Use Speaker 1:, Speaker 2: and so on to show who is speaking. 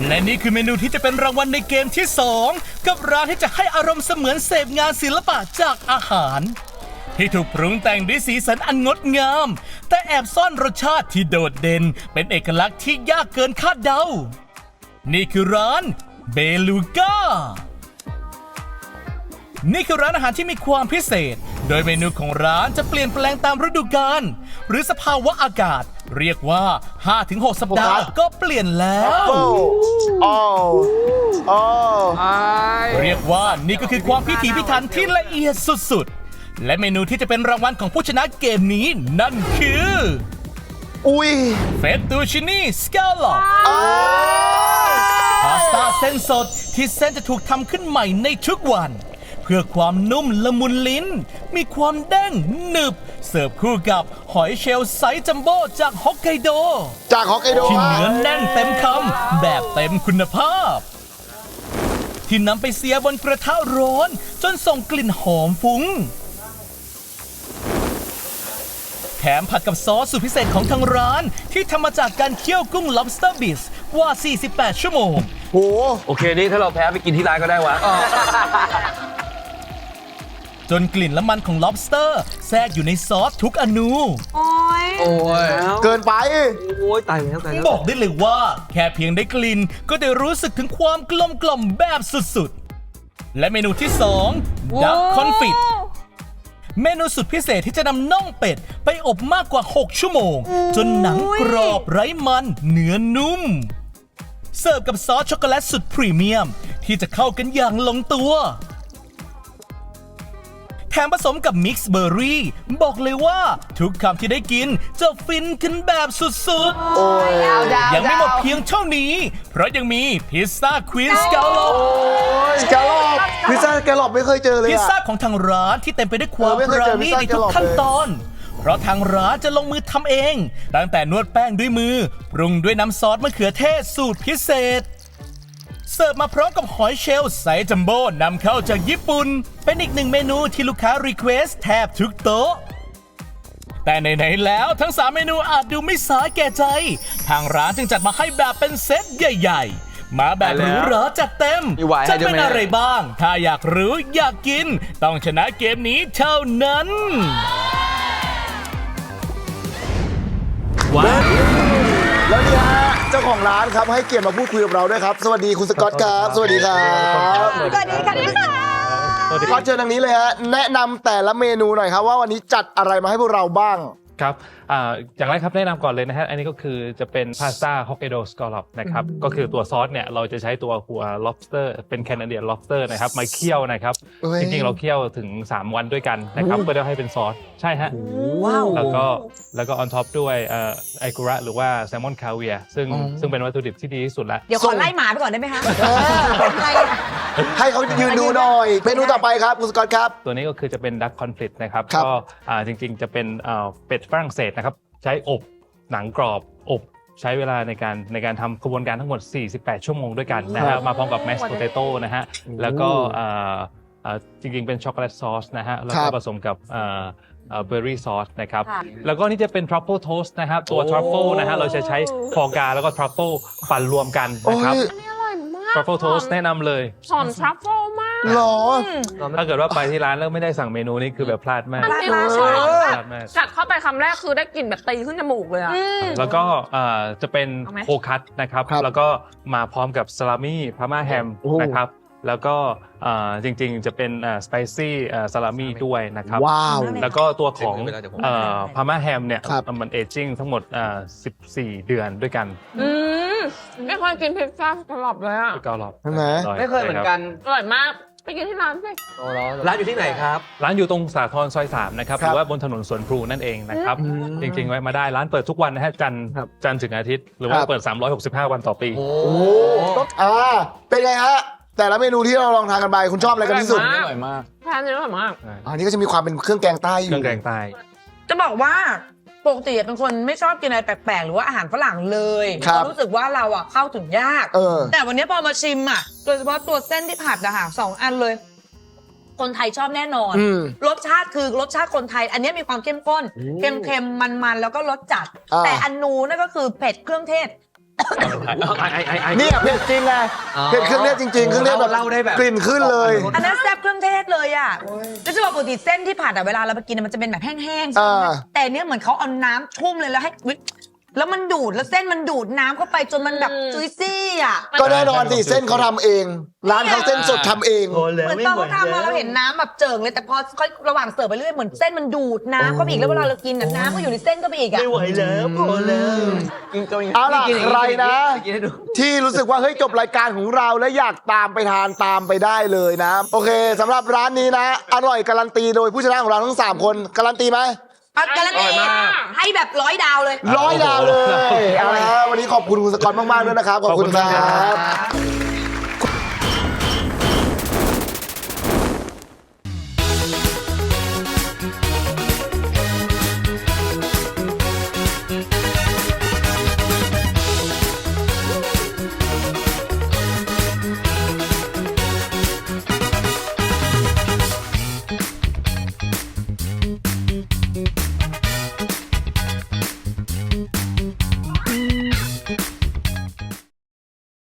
Speaker 1: และนี่คือเมนูที่จะเป็นรางวัลในเกมที่2กับร้านที่จะให้อารมณ์เสมือนเสพงานศิลปะจากอาหารที่ถูกปรุงแต่งด้วยสีสันอันงดงามแต่แอบซ่อนรสชาติที่โดดเด่นเป็นเอกลักษณ์ที่ยากเกินคาดเดานี่คือร้านเบลูก้านี่คือร้านอาหารที่มีความพิเศษโดยเมนูของร้านจะเปลี่ยนแปลงตามฤดูกาลหรือสภาวะอากาศเรียกว่า 5-6 สัปดาห์ก็เปลี่ยนแล้วเรียกว่านี่ก็คือความพิถีพิถันที่ละเอียดสุดๆและเมนูที่จะเป็นรางวัลของผู้ชนะเกมนี้นั่นคือเฟตตูชินีสแกลลอปพาสต้าเส้นสดที่เส้นจะถูกทำขึ้นใหม่ในทุกวันเพื่อความนุ่มละมุนลิ้นมีความเด้งหนึบเสิร์ฟคู่กับหอยเชลล์ไซส์จัมโบ้จากฮอกไกโดที่เนื้อแน่นเต็มคำแบบเต็มคุณภาพที่นำไปเสียบนกระทะร้อนจนส่งกลิ่นหอมฟุ้งแถมผัดกับซอสสูตรพิเศษของทางร้านที่ทำมาจากการเคี่ยวกุ้ง lobster bisque กว่า 48 ชั่วโมง
Speaker 2: โอเคนี่ถ้าเราแพ้ไปกินที่ร้านก็ได้วะ
Speaker 1: จนกลิ่นและมันของ lobster แทรกอยู่ในซอสทุกอนู
Speaker 3: โอ้ย
Speaker 4: เกินไป
Speaker 2: โอ้ยตายแล้ว
Speaker 1: บอกได้เลยว่าแค่เพียงได้กลิ่นก็ได้รู้สึกถึงความกลมกล่อมแบบสุดๆและเมนูที่2 Duck Confit เมนูสุดพิเศษที่จะนำน่องเป็ดไปอบมากกว่า6ชั่วโมงจนหนังกรอบไร้มันเนื้อนุ่มเสิร์ฟกับซอสช็อกโกแลตสุดพรีเมียมที่จะเข้ากันอย่างลงตัวแถมผสมกับมิกซ์เบอร์รี่บอกเลยว่าทุกคำที่ได้กินจะฟินกันแบบสุดๆยังไม่หมดเพียงเท่านี้เพราะยังมีพิซซ่าควีนสแกลลอป
Speaker 4: พิซซ่าสแกลลอปไม่เคยเจอเลย
Speaker 1: พิซซ่าของทางร้านที่เต็มไปด้วยความปราณีตในทุกขั้นตอนเพราะทางร้านจะลงมือทำเองตั้งแต่นวดแป้งด้วยมือปรุงด้วยน้ำซอสมะเขือเทศสูตรพิเศษเสิร์ฟมาพร้อมกับหอยเชลล์ไซส์จัมโบ้นำเข้าจากญี่ปุ่นเป็นอีกหนึ่งเมนูที่ลูกค้ารีเควสแทบทุกโต๊ะแต่ไหนๆแล้วทั้ง3เมนูอาจดูไม่สาแก่ใจทางร้านจึงจัดมาให้แบบเป็นเซตใหญ่ๆมาแบบหรูหราจัดเต็มจะเป็นอะไรบ้างถ้าอยากรู้อยากกินต้องชนะเกมนี้เท่านั้น
Speaker 4: ว้าวแล้วเนี่ยเจ้าของร้านครับให้เกียรติมาพูดคุยกับเราด้วยครับสวัสดีคุณสกอตครับสวัสดีครับ
Speaker 3: สวัสดีค่ะ
Speaker 4: สกอตเชิญทางนี้เลยฮะแนะนำแต่ละเมนูหน่อยครับว่าวันนี้จัดอะไรมาให้พวกเราบ้าง
Speaker 5: ครับอย่างแรกครับแนะนำก่อนเลยนะฮะอันนี้ก็คือจะเป็นพาสต้าฮอกไกโดสกอลลอปนะครับก็คือตัวซอสเนี่ยเราจะใช้ตัวหัว lobster เป็นแคนาเดียน lobster นะครับมาเคี่ยวนะครับจริงๆเราเคี่ยวถึง3วันด้วยกันนะครับเพื่อให้เป็นซอสใช่ฮะแล้วก็ on top ด้วยไอกุระหรือว่าแซลมอนคาเวียซึ่งเป็นวัตถุดิบที่ดีที่สุดแล้ว
Speaker 3: เดี๋ยวขอไล่หมาไปก่อนได้ไหมคะ
Speaker 4: ให้เขายืนดูหน่อยเมนูต่อไปครับคุณสกอตครับ
Speaker 5: ตัวนี้ก็คือจะเป็นดักคอนฟลิกต์นะครับก็จริงๆจะเป็นเป็ดฝรั่งเศสนะครับใช้อบหนังกรอบอบใช้เวลาในการทำกระบวนการทั้งหมด48ชั่วโมงด้วยกันนะฮะมาพร้อมกับแมชโพเตโต้นะฮะแล้วก็จริงๆเป็นช็อกโกแลตซอสนะฮะแล้วก็ผสมกับเบอร์รี่ซอสนะครับแล้วก็นี่จะเป็นทรัฟเฟิลโทสต์นะครับตัวทรัฟเฟิลนะฮะเราจะใช้ฟอร์กาแล้วก็ทรัฟเฟิลปั่นรวมกันนะครับทรัฟเฟิลโทสต์แนะนำเลย
Speaker 3: หอมทรัฟเฟิลมาก
Speaker 4: หรอ
Speaker 5: ถ้าเกิดว่าไปที่ร้านแล้วไม่ได้สั่งเมนูนี้คือแบบพลาดมาก
Speaker 6: กัดเข้าไปคำแรกคือได้กลิ่นแบบตีขึ้นจมูกเลยอะ
Speaker 5: แล้วก็จะเป็นโคคัตนะครับแล้วก็มาพร้อมกับซาลามี่พาม่าแฮมนะครับแล้วก็จริงๆจะเป็นสไปซี่ซาลามี่ด้วยนะครับแล้วก็ตัวของพาม่าแฮมเนี่ยมันเอจจิ้งทั้งหมด14 เดือนด้วยกัน
Speaker 6: ไม่เคยกินพิซซ่าสกอลลอปเลยอะ
Speaker 5: สกอลลอป
Speaker 4: ใช่ไหม
Speaker 2: ไม่เคยเหมือนกัน
Speaker 6: อร่อยมากไปกินที่ร้านสิ
Speaker 2: ร้านอยู่ที่ไหนครับ
Speaker 5: ร้านอยู่ตรงสาทรซอย3นะครับหรือว่าบนถนนสวนพลูนั่นเองนะครับจริงๆไว้มาได้ร้านเปิดทุกวันนะฮะจันทร์ถึงอาทิตย์หรือว่าเปิด365วันต่อปี
Speaker 4: โอ้เป็นไงฮะแต่ละเมนูที่เราลองทานกันไปคุณชอบอะไรกันที่สุด
Speaker 6: อร่อยมากทานอร่อยมาก
Speaker 4: อันนี้ก็จะมีความเป็นเครื่องแกงใต้อยู่
Speaker 5: เครื่องแกงใต้
Speaker 3: จะบอกว่าปกติเป็นคนไม่ชอบกินอะไรแปลกๆหรือว่าอาหารฝรั่งเลยรู้สึกว่าเราอ่ะเข้าถึงยากแต่วันนี้พอมาชิมอ่ะโดยเฉพาะตัวเส้นที่ผัดอะค่ะ2 อันเลยคนไทยชอบแน่นอนรสชาติคือรสชาติคนไทยอันนี้มีความเข้มข้นเค็มๆมันๆแล้วก็รสจัดแต่อันนู้นนั่นก็คือเผ็ดเครื่องเทศ
Speaker 4: เนี่ยเผ็ดจริงไงเผ็ดเครื่องเทศจริงๆเครื่องเทศแบบ
Speaker 2: เล่าได้แบบ
Speaker 4: กลิ่นขึ้นเลย
Speaker 3: อันนั้นแซ่บเครื่องเทศเลยอ่ะแล้วจะบอกปกติเส้นที่ผัดอ่ะเวลาเราไปกินมันจะเป็นแบบแห้งๆใช่ไหมแต่เนี้ยเหมือนเขาเอาน้ำชุ่มเลยแล้วให้แล้วมันดูดแล้วเส้นมันดูดน้ำเข้าไปจนมันแบบจุยซี่อ่ะ
Speaker 4: ก็แน่นอนสิเส้นเขาทำเอง ร้านเขาเส้นสดทำเอง
Speaker 3: เหมือนตอนเขาทำมาเราเห็นน้ำแบบเจิ่งเลยแต่พอค่อยระหว่างเสิร์ฟไปเรื่อยเหมือนเส้นมันดูดน้ำเข้าไปอีกแล้วเวลาเรากินน่ะน้ำก็อยู่ในเส้นก็ไปอีกอ่ะ
Speaker 2: ไม่ไหวแล้วพอแล้ว
Speaker 4: เอาล่ะใครนะ ที่รู้สึกว่าเฮ้ยจบรายการของเราแล้วอยากตามไปทานตามไปได้เลยนะ โอเคสำหรับร้านนี้นะ อร่อยการันตีโดยผู้ชนะของเราทั้ง3คนการันตีไหม
Speaker 3: การันตีให้แบบ100 ดาวเลย
Speaker 4: 100 ดาวเลยเอาละวันนี้ขอบคุณคุณสกอตมากๆด้วยนะครับขอบคุณครับ